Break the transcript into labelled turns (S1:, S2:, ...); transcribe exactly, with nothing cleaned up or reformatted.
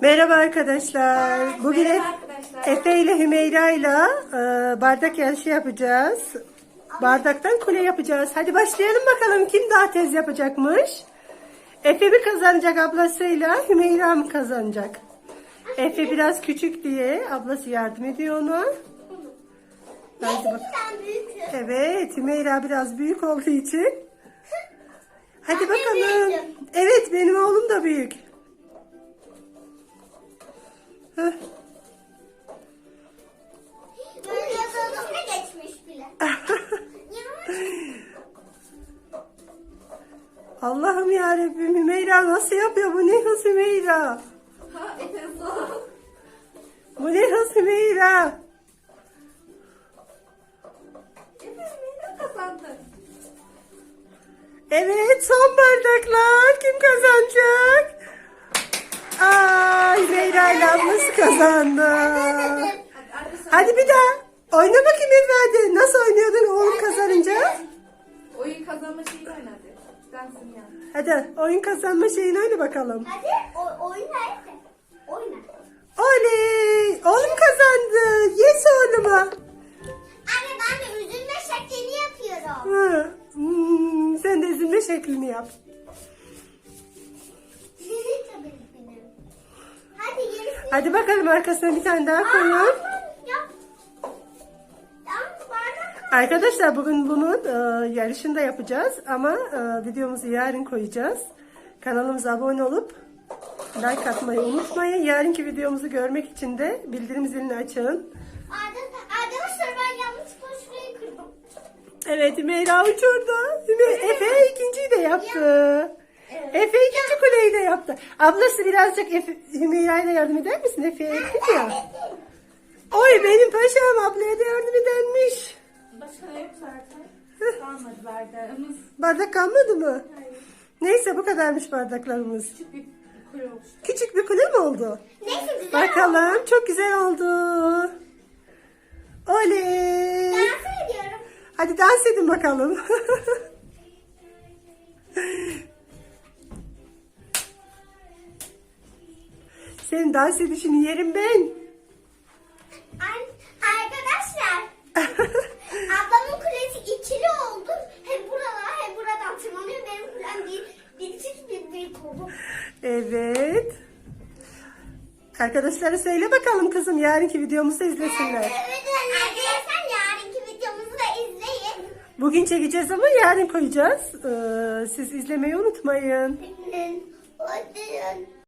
S1: Merhaba arkadaşlar. Bugün
S2: Merhaba
S1: Ef-
S2: arkadaşlar.
S1: Efe ile Hümeyra ile e, bardak yarışı yapacağız. Bardaktan kule yapacağız. Hadi başlayalım bakalım kim daha tez yapacakmış. Efe mi kazanacak ablasıyla, Hümeyra mı kazanacak? Efe biraz küçük diye ablası yardım ediyor ona. Hadi bak. Evet, Hümeyra biraz büyük olduğu için. Hadi bakalım. Evet, benim oğlum da büyük. Heh.
S2: Böyle yazılımda geçmiş bile.
S1: Allah'ım yarabbim, Hümeyra nasıl yapıyor? Bu ne hız Hümeyra?
S2: Ha, Efeso.
S1: Bu ne hız Hümeyra?
S2: Efeso kazandı.
S1: Evet, son bardaklar. Kim kazanacak? Aa, Hümeyra ile ablası kazandı.
S2: Hadi, hadi sen-
S1: Hadi bir daha. Oyna bakayım Efe hadi. Nasıl oynuyordun oğlum kazanınca?
S2: Oyun kazanma şeyini oynadı. Dansın ya.
S1: Hadi oyun kazanma şeyini oyna bakalım.
S2: Hadi o, oyna Efe. Oyna.
S1: Oley! Oğlum kazandı. Yes oğluma.
S2: Anne ben de üzülme şeklini yapıyorum.
S1: Hı. Hmm, sen de üzülme şeklini yap.
S2: Hadi gerisi.
S1: Hadi bakalım arkasına bir tane daha koyun.
S2: Yap. Dans bardak.
S1: Arkadaşlar bugün bunun e, yarışını da yapacağız ama e, videomuzu yarın koyacağız. Kanalımıza abone olup like atmayı unutmayın. Yarınki videomuzu görmek için de bildirim zilini açın.
S2: Arkadaşlar ben yanlışlıkla şurayı kırdım.
S1: Evet Hümeyra uçurdu. Hüme- Efe ikinciyi de yaptı.
S2: Evet.
S1: Efe ikinci kuleyi de yaptı. Ablası birazcık Efe, Hümeyra'ya da yardım eder misin? Efe'ye ettin ya. Oy benim paşam ablaya da yardım edermiş.
S2: Başka yok zaten. Kalmadı bardağımız.
S1: Bardak kalmadı mı?
S2: Hayır.
S1: Neyse bu kadarmış bardaklarımız.
S2: Küçük bir kule oluştu.
S1: Küçük bir kule mi oldu?
S2: Neyse güzel
S1: Bakalım çok güzel oldu. Oley.
S2: Dans ediyorum.
S1: Hadi dans edin bakalım. Senin dans edişini yerim ben.
S2: An- Arkadaşlar ablamın kulesi ikili oldu. Hem buralar hem buradan tırmanıyor. Benim kulem bir, bir çift bir büyük oldu.
S1: Evet. Arkadaşlara söyle bakalım kızım yarınki videomuzu da izlesinler.
S2: Evet arkadaşlar yarınki videomuzu da izleyin.
S1: Bugün çekeceğiz ama yarın koyacağız. Ee, siz izlemeyi unutmayın.
S2: Hadi.